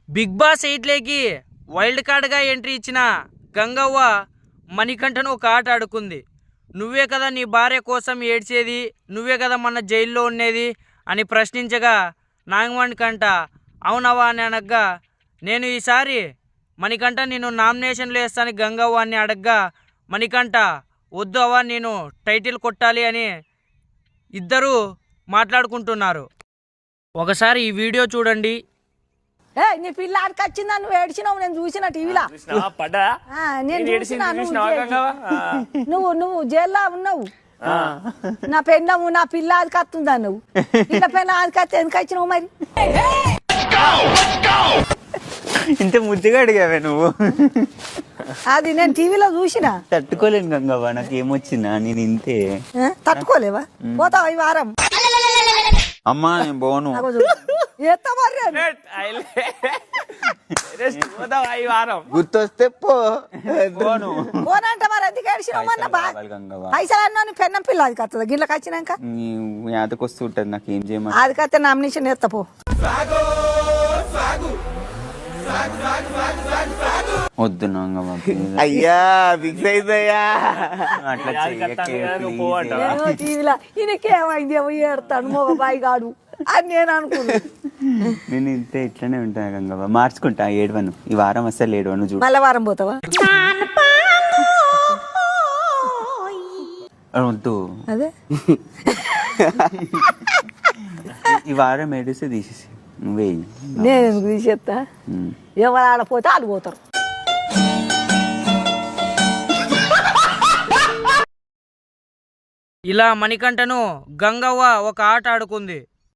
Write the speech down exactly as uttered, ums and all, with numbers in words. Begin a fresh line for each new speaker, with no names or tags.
Big Boss ఎయిట్లోకి wild కార్డ్గా entry ఇచ్చిన గంగవ్వ మణికంఠను ఒక ఆట ఆడుకుంది. నువ్వే కదా నీ భార్య కోసం ఏడ్చేది, నువ్వే కదా మన జైల్లో ఉండేది అని ప్రశ్నించగా నాగమణికంఠ అవునవా అని అనగా, నేను ఈసారి మణికంఠ నేను నామినేషన్లు వేస్తాను గంగవ్వ అని అడగ్గా మణికంఠ వద్దు అవ్వ నేను టైటిల్ కొట్టాలి అని ఇద్దరు మాట్లాడుకుంటున్నారు. ఒకసారి ఈ వీడియో చూడండి.
ఏ నీ పిల్ల ఆడికి వచ్చిందా? నువ్వు ఏడ్చినావు, నేను చూసిన టీవీలో. నేను చూసినా నువ్వు నువ్వు జైల్లో ఉన్నావు. నా పెన్నము నా పిల్ల ఆదికి వస్తుందా? నువ్వు పిల్ల పెన్న ఆదికి వస్తే ఎందుకు వచ్చినావు మరి?
ఇంత ముద్దుగా అడిగావే నువ్వు.
అది నేను టీవీలో చూసిన.
తట్టుకోలేను గంగవ్వ, నాకు ఏమొచ్చిందా నేను ఇంతే.
తట్టుకోలేవా? పోతావా ఈ వారం?
అమ్మా నేను పోను. గుర్తొస్తే పోను.
పోనంటే మరి ఎందుకు ఏడ్చినావు? మొన్న పైసలు అన్నా పెన్నం పిల్ల అది కత్తదా గిళ్ళకి వచ్చినాక?
యాతకు వస్తూ ఉంటుంది, నాకు ఏం చేయమని.
అది కత్తే నామినేషన్ ఎత్తా పో.
వద్దు నాంగమ్మ, అయ్యా ఫిక్స్ అయిపోయా. అట్లా
టీవీలో ఈయనకేమైంది ఏమో ఏడతాడు మగ బాయి గాడు అని నేను అనుకున్నా.
నేను ఇంతే ఇట్లనే ఉంటాను గంగవ్వ, మార్చుకుంటా ఏడవను. ఈ వారం అసలు ఏడవను. చూడు
మళ్ళీ వారం పోతావా?
వద్దు,
అదే
ఈ వారం ఏడిస్తే తీసేసి నువ్వే.
నేను ఎందుకు తీసేస్తా? ఎవరు ఆడపోతే వాళ్ళు పోతారు.
ఇలా మణికంఠను గంగవ్వ ఒక ఆట ఆడుకుంది.